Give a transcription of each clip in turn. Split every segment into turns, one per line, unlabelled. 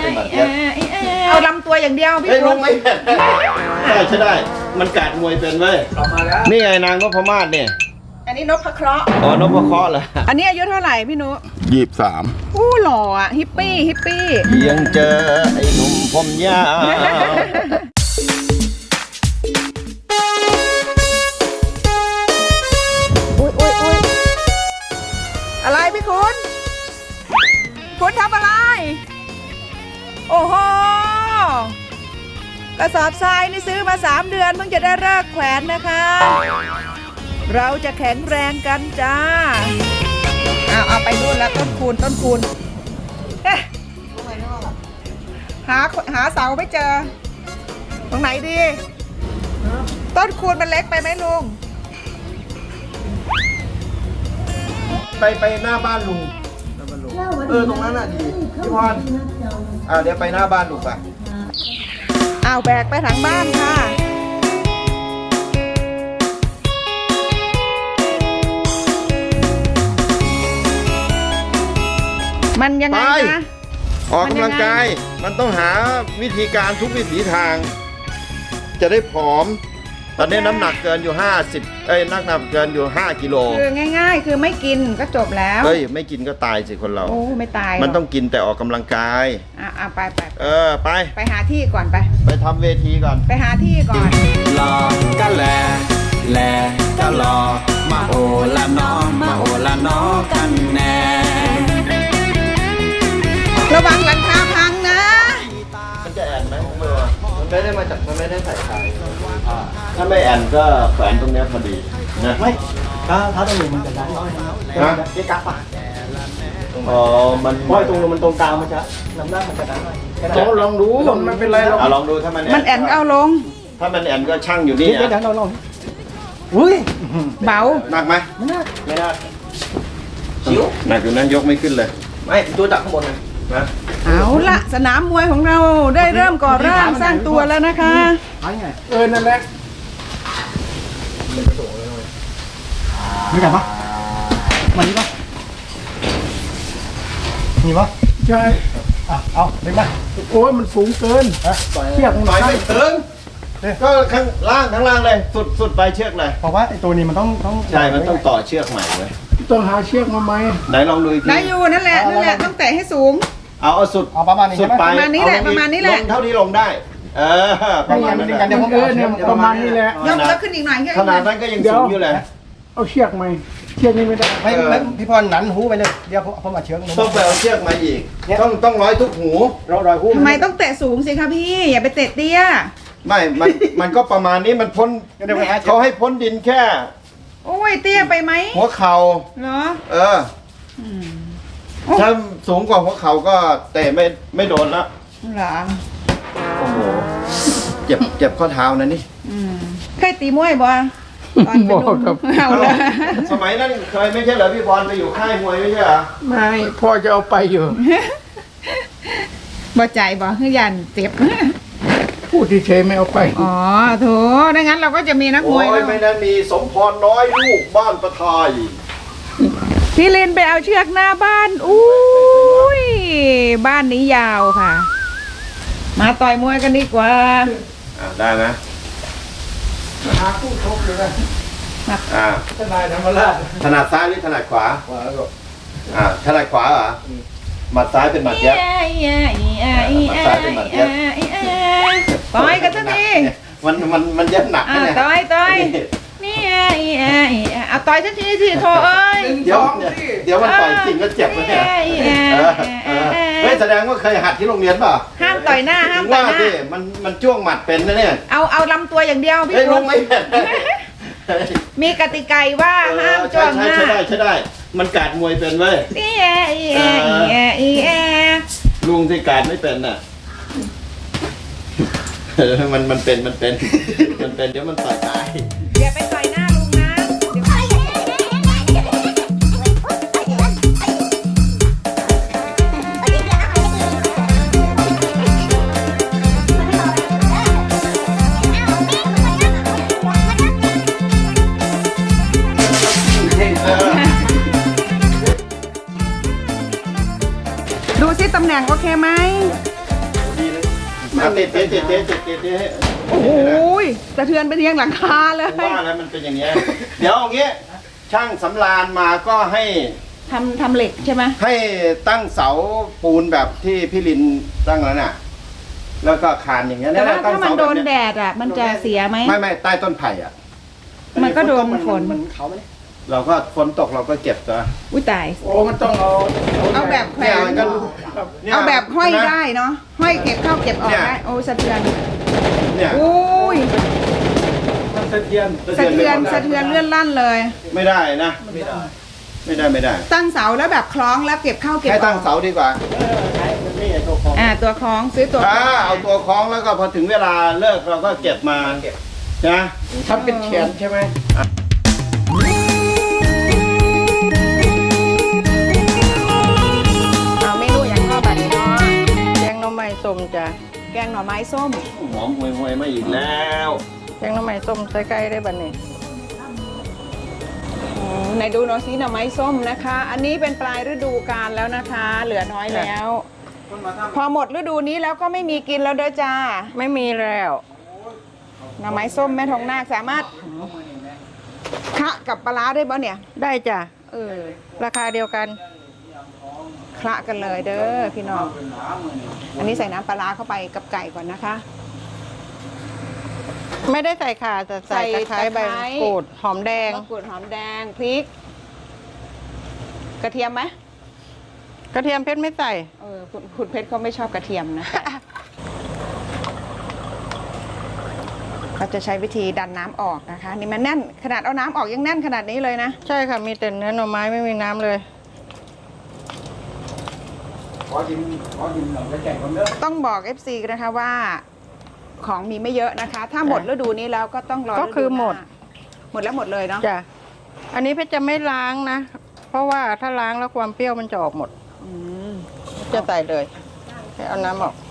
เป็นหมัดเย็บ
เอาลำตัวอย่างเดียวพี่
ลงไม่เป็นได้ใช่ได้มันกาดมวยเป็นเว้ยนี่ไงนางนพมาศเนี่ย
อันนี้นพเคราะห์
อ๋อนพเคราะห์เหรอ
อันนี้อายุเท่าไหร่พี่นุ
23
อู้หล่ออ่ะฮิปปี้
ยังเจอไอ้หนุ่มผมยาว
อุ้ยอะไรพี่คุณทำอะไรโอ้โหกระสอบทรายนี่ซื้อมา3 เดือนเพิ่งจะได้เลิกแขวนนะคะเราจะแข็งแรงกันจ้าเอาไปนู่นแล้วต้นคูณหาเสาไม่เจอตรงไหนดีต้นคูณมันเล็กไปไหมลุง
ไปหน้าบ้านลุงตรงนั้นน่ะดีพี่พรเดี๋ยวไปหน้าบ้านลุงไป
เอาแบกไปทางบ้านค่ะมันยังไงนะ
ออกกำลังกายมันต้องหาวิธีการทุกวิถีทางจะได้ผอมตอนนี้น้ำหนักเกินอยู่50น้ำหนักเกินอยู่5 กิโล
คือง่ายๆคือไม่กินก็จบแล้ว
ไม่กินก็ตายสิคนเรา
โอ้ไม่ตาย
มันต้องกินแต่ออกกำลังกาย
ไปไปหาที่ก่อน
ไปทำเวทีก่อน
ไปหาที่ก่อน
รอก็แลก็รอมาโอละนอกันแน่
ระวังหลังคาพังนะ
มันจะแอนไหมมือมันไม่ได้มาจากมันไม่ได้ใส่ขายถ้าไม่แอนก็แขวนตรงนี้พอดีนะ
ไม่ถ้าตรงนี้มันจะได้เก๊กกั๊บ
มัน
เพราะตรงมันตรงกลางมันจะน้ำหน้ามันจะได้
ลองดู
มันเป็นไร
ลองดูถ้า
มันแอนเอาลง
ถ้ามันแอนก็ช่างอยู่นี่
เดี๋ยวเราลองอุ้ย
เบา
หนักไหม
ไม่น่า
ชิวหนักอยู่นั้นยกไม่ขึ้นเลย
ไม่ตัวจับข้างบนนะ
เอาละสนามมวยของเราได้เริ่มก่อร่างสร้างตัวแล้วนะคะ
นั่นแหละไม่กลับปะมันนี่ปะนี่ปะใช่เอาเด็กมาโอ้ยมันสูงเกินเชือก
หน่อยไม่ถึงก็ข้างล่างเลยสุดไปเชือกเลย
เพราะว่าไอ้ตัวนี้มันต้อง
ใช่มันต้องต่อเชือกใหม่เลย
ต้องหาเชือกมาไหม
ไหนลองดูอีกที
ได้อยู่นั่นแหละต้องแตะให้สูง
เอาสุด
ประมาณนี้
สุดไป
ประมาณนี้แหละ
ลงเท่าที่ลงได้
ประมาณนี้กันประมาณนี้แหละ
ยกแล้วขึ้นอีกหน่อย
ขนาดนั้นก็ยังสูงอยู่เลย
เอาเชือกไหมเชือกนี้ไม่ได้ไม่พี่พรหนันหูไปเลยเดี๋ยวพอมาเชือก
ต้องไปเอาเชือกมาอีกต้องร้อยทุกหู
ร้อยหู
ทำไมต้องแตะสูงสิคะพี่อย่าไปเตะเตี้ย
ไม่มันก็ประมาณนี้มันพ้นเขาให้พ้นดินแค่
โอ้ยเตี้ยไปไหม
หัวเข่า
เหรอ
ถ้าสูงกว่าหัวเข่าก็เตะไม่โดนละ
เหรอ
โอ้โหเจ็บข้อเท้านะนี่
เคยตีมวยบ่ตอนเป็นหนุ่มเอาเลย
สมัยนั้นเคยไม่ใช่เหรอพี่พรไปอยู่ค่ายมวยไม่ใช่เหรอ
ไม่พ่อจะเอาไปอยู่
บ่ใจบ่คือยันเจ็บ
พูดเฉยไม่เอาไป
อ๋อโถดังนั้นเราก็จะมีนักมวย
ไม่ได้มีสมพรน้อยลูกบ้านประทาย
พี่ลินไปเอาเชือกหน้าบ้านอุ้ยบ้านนี้ยาวค่ะมาต่อยมวยกันดีกว่า
ได้ไหม
หาคู่ชกเลยนะทนายธรรมราช
ถนัดซ้ายหรือถนัดขวาถนัดขวาเหรอหมัดซ้ายเป็นหมัดเย็บหมัดซ้ายเป็นหมัดเย็บ
ต่อยกันสักที
มันเย็บหนักนะเนี่ย
ต่อยนี่เอาต่อยสักทีสิโถเอ้ย
เดี๋ยวมันต่อยจริงก็เจ็บเลยเนี่ยเฮ้ยแสดงว่าเคยหัดที่โรงเรียนป่ะ
ห้ามต่อยหน้าห้ามต่อยหน้า
มันจ้วงหมัดเป็นนะเนี่ย
เอาลำตัวอย่างเดียวพี่
ลงไม่เป็น
มีกติกาว่าห้ามจ้วงหน้า
ใช่ได้มันกาดมวยเป็นเว้ยลุงที่กาดไม่เป็นน่ะมันเป็นเดี๋ยวมันต่อยตาย
อย่าไปต่อยหน้าลุงนะดูซิตำแหน่งโอเคไหม
ติด
โอ้โหสะเทือนไปที่ยังหลังคาเลย
ว่าแล้วมันเป็นอย่างเงี้ยเดี๋ยวเอางี้ช่างสำราญมาก็ให้
ทำเหล็กใช่ไหม
ให้ตั้งเสาปูนแบบที่พี่ลินตั้งแล้วน่ะแล้วก็คานอย่างเงี้ย
แต่ว่า
ตั้ง
ถ้ามัน
เส
โด
แบบ
น
เนี้ย
แดดอ่ะมันจะเสียไหม
ไม่ใต้ต้นไผ่อ่ะ
มันก็โดนฝน
มันเขาไหม
เราก็ฝนตกเราก็เก็บตัว
อุ้ยตาย
โอ้มันต้องเอา
แบบแขว
เนี่ย
น
มันก็นี่ย
เอาแบบห้อย
เห็นหม
ได้เนาะห้อยเก็บเข้าเก็บออก
เนี่ย
ได้โอ้สะเทือน
เนี่ย
อุ้ย
มันสะเทือน
สะเทือนเลื่อนลั่นเลย
ไม่ได้นะไม่ได้
ตั้งเสาแล้วแบบคล้องแล้วเก็บเข้าเก็บอ
ให้
อก
ตั้งเสาดีกว่า
ใช้มันไม่ใช่ตัวของ
ตัวคล้องซื้อตัวคล้อง
เอาตัวคล้องแล้วก็พอถึงเวลาเลิกเราก็เก็บมานะ
ทำเป็นแขนใช่ไหม
เอาเมนูอย่างข้าวแบบนี้เนาะ
แกงหน่อไม้ส้มจ้ะ
แกงหน่อไม้ส้ม
หอมห่วยๆมาอีกแล้ว
แกงหน่อไม้ส้มใส่ไก่ได้บัดนี้
ไหนดูหน่อยสิหน่อไม้ส้มนะคะ อันนี้เป็นปลายฤดูกาลแล้วนะคะ เหลือน้อยแล้ว พอหมดฤดูนี้แล้วก็ไม่มีกินแล้วเด้อจ้า
ไม่มีแล้ว
หน่อไม้ส้มแม่ทองนาคสามารถคะกับปลาร้าได้บ่เนี่ย
ได้จ้ะ
เออ
ราคาเดียวกัน
คละกันเลยเด้อพี่น้อง อันนี้ใส่น้ำปลาร้าเข้าไปกับไก่ก่อนนะคะ
ไม่ได้ใส่ข่าแต่ใส่ตะไคร้ใบมะกรูดหอมแดง
มะกรูดหอมแดงพริก กระเทียมไหม
กระเทียมเพชรไม่ใส่
คุณเพชรเขาไม่ชอบกระเทียมนะ เขาจะใช้วิธีดันน้ำออกนะคะ นี่มันแน่นขนาดเอาน้ำออกยังแน่นขนาดนี้เลยนะ
ใช่ค่ะ มีแต่เนื้อหน่อไม้ไม่มีน้ำเลย
ขอดินหน่อยแล้วแจกคนเด้อ
ต้องบอก FC นะคะว่า ของมีไม่เยอะนะคะ ถ้าหมดฤดูนี้แล้วก็ต้องรอ
ก็คือหมด
หมดแล้วหมดเลยเนาะ
จ้ะ อันนี้เพชรจะไม่ล้างนะ เพราะว่าถ้าล้างแล้วความเปรี้ยวมันจะออกหมด
อืม
จะใส่เลยให้เอาน้ำออก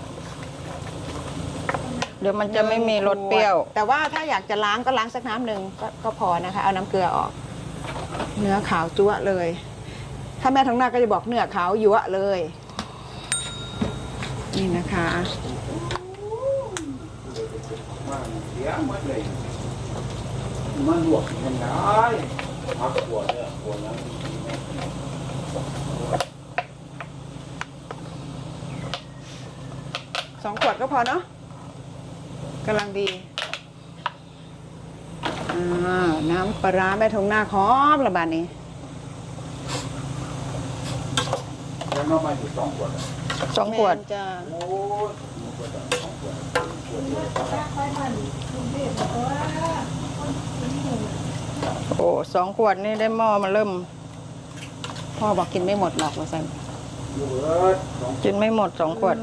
เดี๋ยวมันจะไม่มีรสเปรี้ยว
แต่ว่าถ้าอยากจะล้างก็ล้างสักน้ำหนึ่งก็พอนะคะ เอาน้ำเกลือออก เนื้อขาวจั๊วะเลย ถ้าแม่ท้องนาก็จะบอกเนื้อขาวยั่วะเลย นี่นะคะ
เสียหมดเลยมันหลวกมันได้พักปวดเนี่ยปวดแล้ว
2 ขวดก็พอเนาะกำลังดีน้ำปลาร้าแม่ทองนาคหอมระบาดนี้
แล้วน้องมาอยู่2 ขวด
2 ขวด
แม่นจะ
โอ้2 ขวดนี่ได้หม้อมาเริ่ม
พ่อบอกกินไม่หมดหรอกว่าซั่น
อยู่2
กินไม่หมด2 ขวด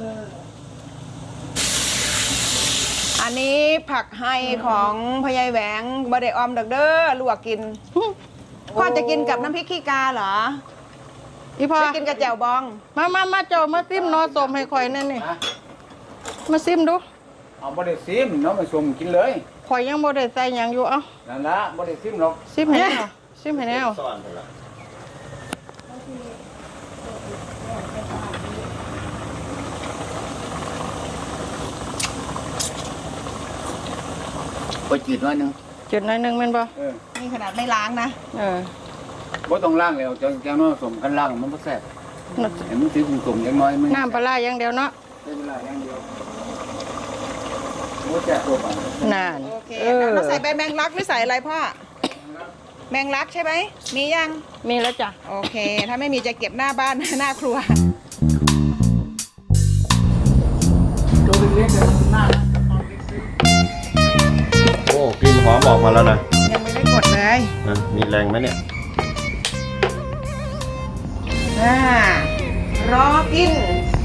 อันนี้ผักไฮของพยายแหวงบะเดออมดักเด้อลวกกิน พ่อจะกินกับน้ำพริกขี้กาเหรอ
อีพอ
จะกินกับแจ่วบอง
มาโจมาซิมนอสมให้ข่อยนั่นนี่ มาซิมดู
เอาบ่ได้ซิมเนาะมาชมกินเลย
ข่อยยังบ่ได้ใส่หยังอยู่เอ้า
นั่นละบ่ได้ซิมหรอก
ซิมให้แนวซิมให้แนว
ซ่อนไปละ
ไปจืดน้อยนึง
จุดหน้อยหนึงแม่นบ่
นี่ขนาดไม่ล้างนะ
เออ
บ่ต้องล้างแล้วจังน้อยสมกันล้างมันบ่แซ่บเห็นมันสิกลมๆจังน้อยมัน
น้ำปลาร้าอย่างเดียวเนาะ
ใช้เวลาอย่างเดียวบ่แซ่บตัวปาน
นาน
โอเคเราใส่ใบแมงลักหรือใส่อะไรพ่อ แมงลักใช่ไหม มียัง
มีแล้วจ้ะ
โอเค ถ้าไม่มีจะเก็บหน้าบ้าน หน้าครัว
ตัวเล็กๆแต่มันน่า
โอ้กลิ่นหอมออกมาแล้วนะ
ยังไม่ได้กดเลย
มีแรงไหมเนี่ย
รอกิน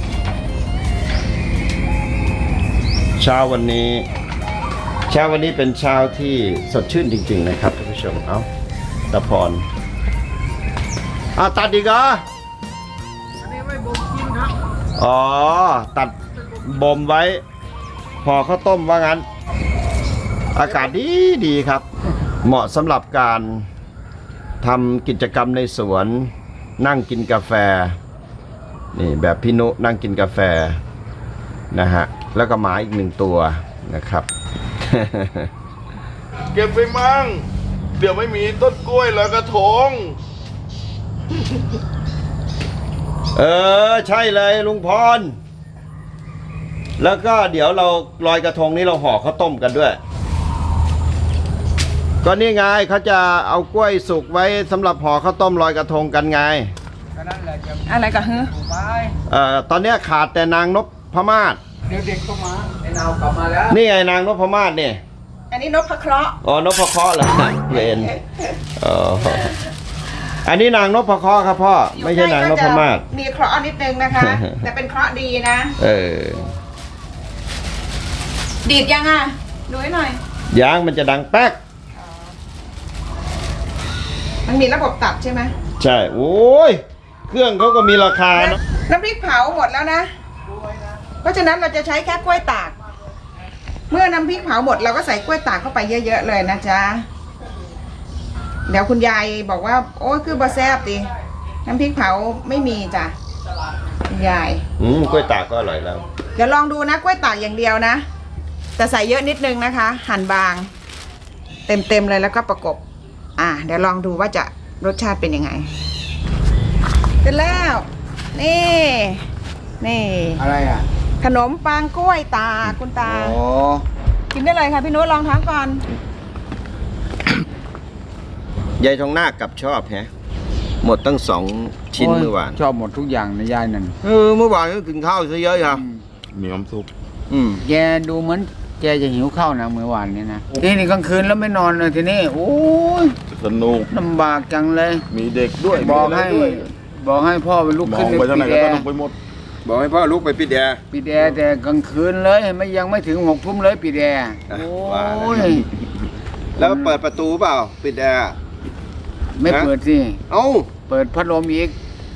เช้าวันนี้เป็นเช้าที่สดชื่นจริงๆนะครับท่านผู้ชม เอ้าตะพรตัดอีกเหรออ๋อ ตัดบ่มไว้ พอข้าวต้มว่างั้น อากาศดีครับ เหมาะสำหรับการทำกิจกรรมในสวน นั่งกินกาแฟ นี่แบบพี่นุนั่งกินกาแฟนะฮะแล้วก็หมาอีก1ตัวนะครับ
เก็บไปมั่งเดี๋ยวไม่มีต้นกล้วยลอยกระทง
ใช่เลยลุงพร แล้วก็เดี๋ยวเราลอยกระทงนี้เราห่อข้าวต้มกันด้วย ก็นี่ไงเขาจะเอากล้วยสุกไว้สำหรับห่อข้าวต้มลอยกระทงกันไง
ก็นั่นแหละจะ
อะไรกันเฮ้อ
ถูกไป
ตอนเนี้ยขาดแต่นางนพมาศ
เดี๋ยวเด็กก็มาไอ้นาวกลับมาแล้ว
นี่ไงนางนพมาศเนี่ย
อันนี้นพเคราะห์
อ๋อนพเคราะห์เหรอเวนอันนี้นางนพเคราะห์ครับพ่อไม่ใช่นางนพมาศ
มีเคราะห์นิดนึงนะคะ แต่เป็นเคราะห์ดีนะ ดีดยังอ่ะดูให้หน่อย
ยางมันจะดังแป๊ก
มันมีระบบตัดใช่ไหม
ใช่โอ้ยเครื่องเขาก็มีราคาเนอะ
น้ำพริกเผาหมดแล้วนะ เพราะฉะนั้นเราจะใช้แค่กล้วยตาก เมื่อน้ำพริกเผาหมดเราก็ใส่กล้วยตากเข้าไปเยอะๆเลยนะจ๊ะ เดี๋ยวคุณยายบอกว่าโอ้ยคือบะแซบดิน้ำพริกเผาไม่มีจ้ะคุณยาย
กล้วยตากก็อร่อยแล้ว
เดี๋ยวลองดูนะกล้วยตากอย่างเดียวนะแต่ใส่เยอะนิดนึงนะคะ หั่นบาง เต็มเลยแล้วก็ประกบเดี๋ยวลองดูว่าจะรสชาติเป็นยังไงเสร็จแล้ว นี่
อะไรอ่ะ
ขนมปังกล้วยตากคุณตา กินได้เลยค่ะพี่นุชลองทานก่อน
ยายทองนาคกับชอบแฮะหมดตั้ง2 ชิ้นเมื่อวาน
ชอบหมดทุกอย่างในยายนั่น
เมื่อวานก็กินข้าวซะเยอะครับ
มีน้ำซุป
แกดูเหมือนแกจะหิวข้าวนะเมื่อวานนี้นะทีนี้กลางคืนแล้วไม่นอนเลยทีนี้โอ้ย
สนุก
ลำบากจังเลย
มีเด็กด้วย
บอกให้
มีะไรด้วย
บอกให้พ่อไปลุก
มอ
ขึ้น
งไปทางไหน
ปิด
ก็
แอ
สนุก
ร์
ไปหมด
บอกให้พ่อลุกไปปิดแอร์
ปิดแอร์แต่กลางคืนเลยยังไม่ถึง6 ทุ่มเลยปิดแอร์
อ่ะ
โอ้
ว่าแล้ว
ย
แล้วเปิดประตูเปล่า ปิดแอร์
ไม่เปิดสิ
เอ้า
เปิดพัดลมอีก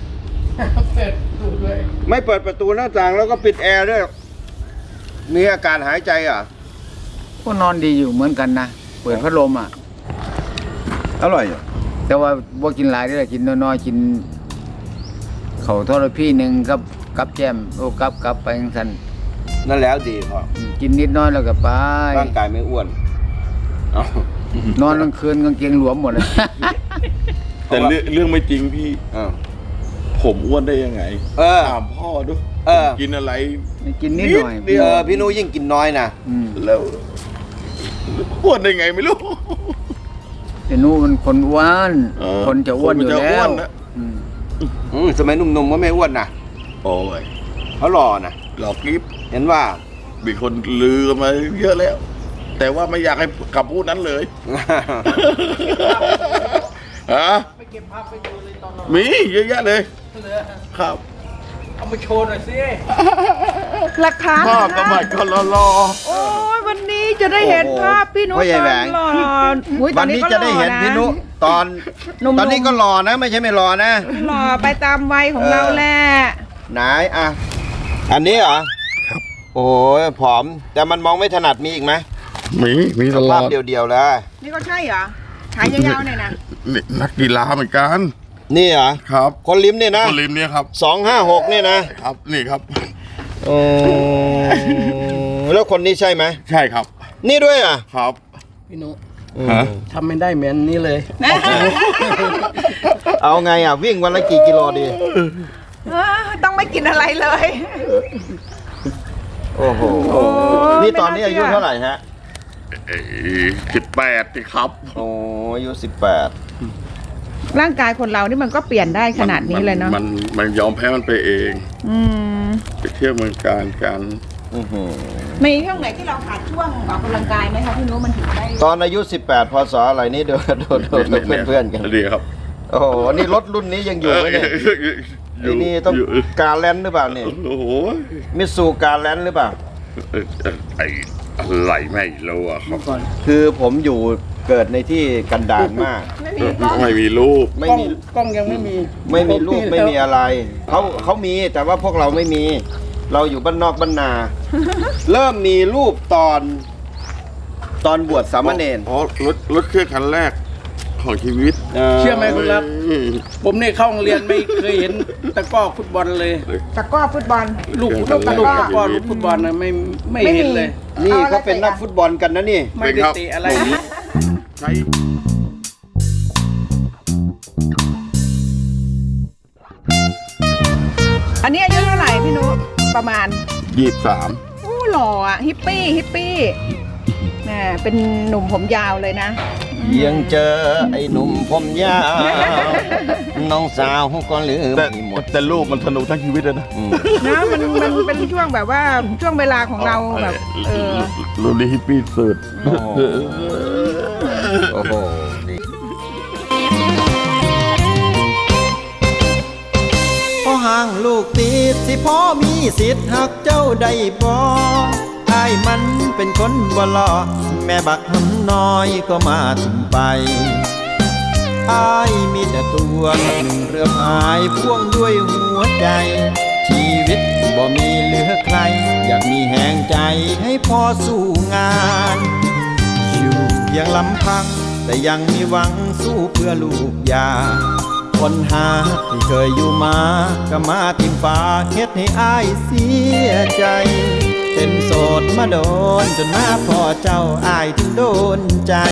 ไม่เปิดประตูหน้าต่างแล้วก็ปิดแอร์ด้วยมีอาการหายใจอ่ะ
ก็นอนดีอยู่เหมือนกันนะเปิดพัดลมอ่ะ
อร่อยอ่ะ
แต่ว่าบ่กินหลายได้อกินน้อยๆกินเขาวทอดพี่หนึ่งกับแจมโอ้กับไปจังซั่น
นั่นแล้วดีพ่อ
กินนิดน้อยแล้วก็ไป
ร่างกายไม่อ้วนเอ้าน
อนกลางคืนกางเกงหลวมหมดเลย
แต่เรื่องไม่จริงพี่
อ้าว
ผมอ้วนได้ยังไง ถามพ่อดู กินอะไร
กินนิดหน่อย
พี่นุยิ่งกินน้อยนะ
แล้วอ้วนได้ไงไม่รู้
แต่นู้มันคนอ้วน คนจะอ้วนอยู่
คนมันจะ
แล้
อ้ว
วน
นะ
สมัยหนุ่มๆก็ไม่อ้วนนะ
โอ้ย
เขาหล่อนะ
หลอกกิฟ
เห็นว่า
มีคนลือกันมาเยอะแล้ว แต่ว่าไม่อยากให้กลับพูดนั้นเลยฮะไปเก็บภาพไปดูเลยตอนมีเยอะแยะเลยครับ
เอามาโชว์หน่อยสิ
หลักฐาน
ภาพสมัยก็รอ
โอ้ยวันนี้จะได้เห็นภาพพี่นุช
พ่อใหญ่แหวง
ตอนหล่ออุ๊ยต
วั
อน
นี้
ก็
จะได้เห็น
ล่อ
พี่นุตอน
หนุ่มๆ
ตอนนี้ก็หล่อนะ ไม่ใช่ไม่หล่อนะ
หล่อไปตามวัยของเราแหละ
ไหนอ่ะ อันนี้เหรอ ครับ โอ้ยผอม แต่มันมองไม่ถนัดมีอีกไหม
มีตล
ภา
อ
พ
ด
เดียวๆเลย
นี่ก็ใช่เหรอขายยาวๆเนี่ยนะ
นี่นักกีฬาเหมือนกัน
นี่เหรอ
ครับ
คนลิ้มเนี่ยนะ
คนริมเนี่ยครับ
256เนี่ยนะครับ
นี่ครับ
โอ้แล้วคนนี้ใช่ไหม
ใช่ครับ
นี่ด้วยอ่ะ
ครับ
พี่นุ
ฮะ
ทำไม่ได้เหมือนนี้เลย
เอาไงอ่ะ วิ่งวันละกี่กิโลดี
ต้องไม่กินอะไรเลย
โอ้โห
ไม่
นี่ตอนนี้
น่าเชื่อ
อายุเท่าไหร่ฮะ
18สิครับ
โอ้อายุ
ร่างกายคนเรานี่มันก็เปลี่ยนได้ขนาดนี้เลยเนาะ
มันยอมแพ้มันไปเอง
อืม
ไปเที่ยวเมืองการกัน
18
มีช่วงไหนที่เราขาดช่วงออกกำลังกายไหมคะพี่นุ้มันถึงได้
ตอนอายุ 18 พศอะไรนี่เดี๋ยวโดนเพื่อนๆกัน
ดีครับ
โอ้โห นี่รถรุ่นนี้ยังอยู่ไหมเนี่ยไอ้นี่ต้องการแลนด์หรือเปล่าเนี่ย
โอ้โห
มิตซูการแลนด์หรือเปล่า
ไอ้อะไรไม่รู้อะครับ
คือผมอยู่เกิดในที่กันดารมาก
ไม่มีรูป
ไม่มี
กล้องยังไม่มี
ไม่มีลูกไม่มีอะไร เขามีแต่ว่าพวกเราไม่มี เราอยู่บ้านนอกบ้านนา เริ่มมีรูปตอนบวชสามเณร
อ๋อรถเครื่องคันแรกของชีวิต
เชื่อไหมคุณรัก ผมเนี่ยเข้าโรงเรียนไม่เคยเห็นตะกร้อฟุตบอลเลย
ตะกร้อฟุตบอล
ลูก
ลูกตะกร้อ
ตะกร้อลูกฟุตบอลนะไม่
ไม่
เห็น
มี
เลย
นี่เขาเป็นนักฟุตบอลกันนะนี่
ไม่ได้เตะอะไร
ใช้
อันนี้อายุเท่าไหร่พี่นุประมาณ
23
อู้หล่ออ่ะฮิปปี้แหมเป็นหนุ่มผมยาวเลยนะ
ยังเจอไอ้หนุ่มผมยาว น้องสาวก็ลืม
แต่
ไม่หมด
แต่ลูกมันสนุกทั้งชีวิตเลยนะ
นะมันเป็นช่วงแบบว่าช่วงเวลาของเราแบบ
รุ่นนี้ฮิปปี้สุด
โอ้โหนี่
พอห่างลูกติดสิพ่อมีสิทธิ์หักเจ้าได้บ่อ้ายมันเป็นคนบ่หล่อแม่บักหำน้อยก็มาถึงไปอ้ายมีแต่ตัวกับหนึ่งเรือพายพ่วงด้วยหัวใจ ชีวิตบ่มีเหลือใคร อยากมีแห่งใจให้พ่อสู้งานอยู่เพียงลำพังแต่ยังมีหวังสู้เพื่อลูกยาคนหาที่เคยอยู่มาก็มาทิมฟ้าเฮ็ดให้อ้ายเสียใจเป็นโสดมาโดนจนมาพอเจ้าอ้ายถึงโดนใจ